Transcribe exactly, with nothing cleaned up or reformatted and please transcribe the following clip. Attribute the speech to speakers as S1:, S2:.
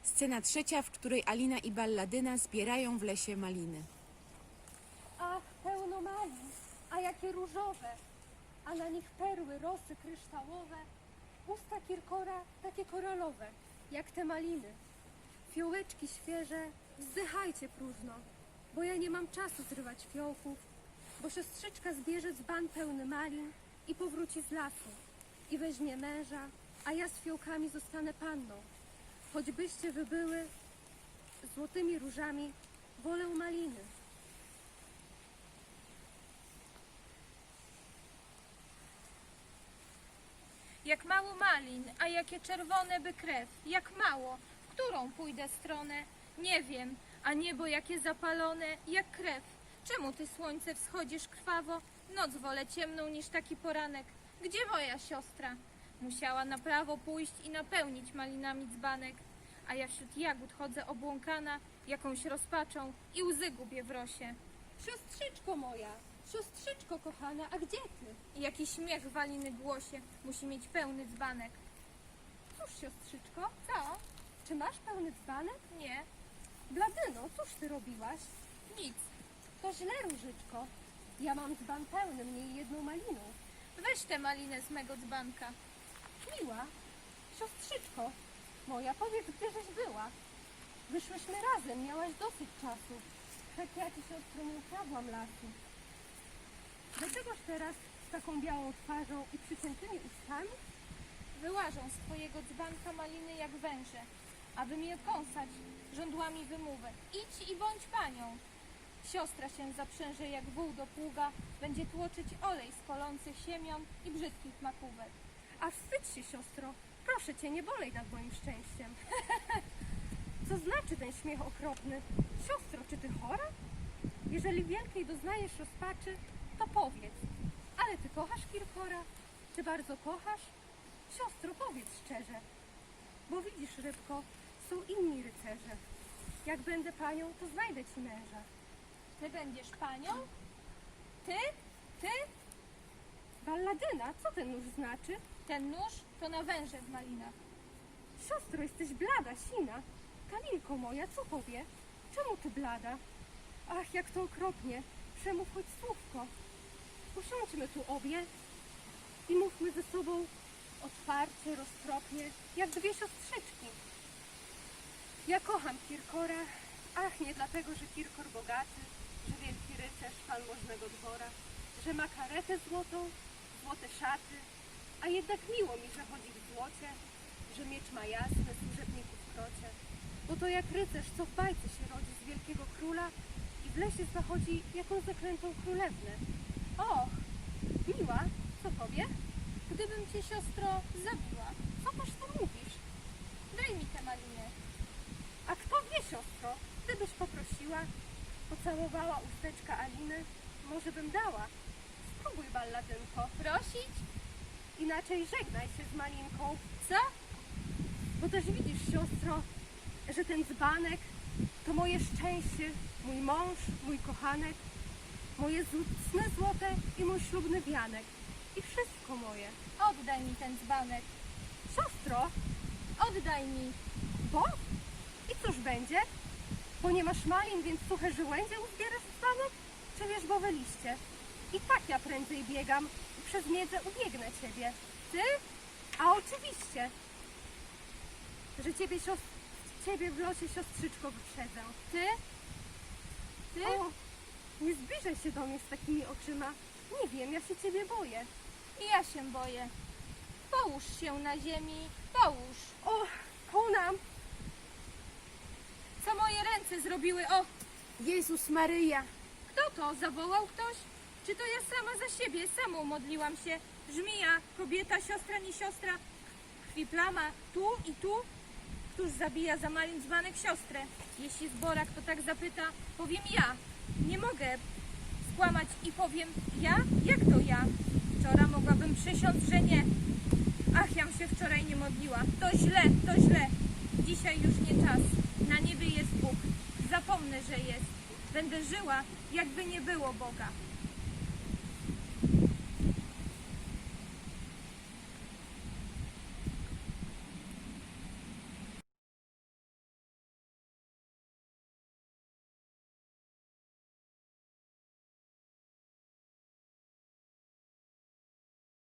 S1: Scena trzecia, w której Alina i Balladyna zbierają w lesie maliny.
S2: Ach, pełno malin, a jakie różowe, a na nich perły, rosy kryształowe, usta Kirkora takie koralowe, jak te maliny. Fiołeczki świeże, wzdychajcie próżno, bo ja nie mam czasu zrywać fiołków, bo siostrzyczka zbierze dzban pełny malin i powróci z lasu i weźmie męża, a ja z fiołkami zostanę panną. Choćbyście wy były złotymi różami, wolę maliny.
S3: Jak mało malin, a jakie czerwone by krew, jak mało, w którą pójdę stronę? Nie wiem, a niebo jakie zapalone, jak krew. Czemu ty, słońce, wschodzisz krwawo? Noc wolę ciemną niż taki poranek. Gdzie moja siostra? Musiała na prawo pójść i napełnić malinami dzbanek. A ja wśród jagód chodzę obłąkana, jakąś rozpaczą i łzy gubię w rosie.
S2: Siostrzyczko moja, siostrzyczko kochana, a gdzie ty?
S3: I jaki śmiech w Aliny głosie, musi mieć pełny dzbanek.
S2: Cóż, siostrzyczko,
S3: Co?
S2: czy masz pełny dzbanek?
S3: Nie,
S2: Bladyno, cóż ty robiłaś?
S3: nic.
S2: To źle, różyczko. Ja mam dzban pełny, mniej jedną maliną.
S3: Weź tę malinę z mego dzbanka.
S2: Miła, siostrzyczko moja, powiedz, gdzieżeś była? Wyszłyśmy razem, miałaś dosyć czasu. Wszak ja ci, siostro, nie ukradłam lasu. Dlaczegoż teraz z taką białą twarzą i przyciętymi ustami?
S3: Wyłażą z twojego dzbanka maliny jak węże, aby mnie kąsać żądłami wymówek. Idź i bądź panią. Siostra się zaprzęże jak wół do pługa, będzie tłoczyć olej z kolących siemion i brzydkich makówek.
S2: A wstydź się, siostro. Proszę cię, nie bolej nad moim szczęściem. Co znaczy ten śmiech okropny? Siostro, czy ty chora? Jeżeli wielkiej doznajesz rozpaczy, to powiedz. Ale ty kochasz Kirkora? Czy bardzo kochasz? Siostro, powiedz szczerze. Bo widzisz, rybko, są inni rycerze. Jak będę panią, to znajdę ci męża.
S3: Ty będziesz panią? Ty? Ty?
S2: Balladyna, co ten nóż znaczy?
S3: Ten nóż to na węże w malinach.
S2: Siostro, jesteś blada, sina. Kalinko moja, co powie? Czemu ty blada? Ach, jak to okropnie. Przemów choć słówko. Usiądźmy tu obie i mówmy ze sobą otwarcie, roztropnie, jak dwie siostrzyczki. Ja kocham Kirkora. Ach, nie dlatego, że Kirkor bogaty, że wielki rycerz, pan możnego dwora, że ma karetę złotą, złote szaty, a jednak miło mi, że chodzi w złocie, że miecz ma jasny, służebników krocie. Bo to jak rycerz, co w bajce się rodzi z wielkiego króla i w lesie zachodzi jakąś zaklętą królewnę. Och, miła, co powie?
S3: Gdybym cię, siostro, zabiła,
S2: Co toż to mówisz?
S3: daj mi tę malinę.
S2: A kto wie, siostro, gdybyś poprosiła, pocałowała usteczka Aliny, może bym dała. Spróbuj, balladynko.
S3: Prosić?
S2: Inaczej żegnaj się z Malinką.
S3: Co?
S2: Bo też widzisz, siostro, że ten dzbanek to moje szczęście, mój mąż, mój kochanek, moje sny złote i mój ślubny wianek. I wszystko moje.
S3: Oddaj mi ten dzbanek.
S2: Siostro,
S3: Oddaj mi.
S2: bo? I cóż będzie? Bo nie masz malin, więc suche żyłędzie uzbierasz w dzbanek? Czy wierzbowe liście? I tak ja prędzej biegam i przez miedzę ubiegnę ciebie. Ty? A oczywiście, że ciebie, siostr... ciebie w losie siostrzyczko wyprzedzę.
S3: Ty? Ty?
S2: O, nie zbliżaj się do mnie z takimi oczyma. Nie wiem, ja się ciebie boję.
S3: I ja się boję. Połóż się na ziemi, połóż.
S2: O, konam!
S3: Co moje ręce zrobiły? O,
S1: Jezus Maryja!
S3: kto to? Zawołał ktoś? Czy to ja sama za siebie, samą modliłam się? Żmija, kobieta, siostra, nie siostra. Krwi plama, tu i tu. Któż zabija za malin dzbanek siostrę? Jeśli zborak to tak zapyta, powiem ja. Nie mogę skłamać i powiem ja? Jak to ja? Wczoraj mogłabym przysiąc, że nie. Ach, jam się wczoraj nie modliła. To źle, to źle. Dzisiaj już nie czas. Na niebie jest Bóg. Zapomnę, że jest. Będę żyła, jakby nie było Boga.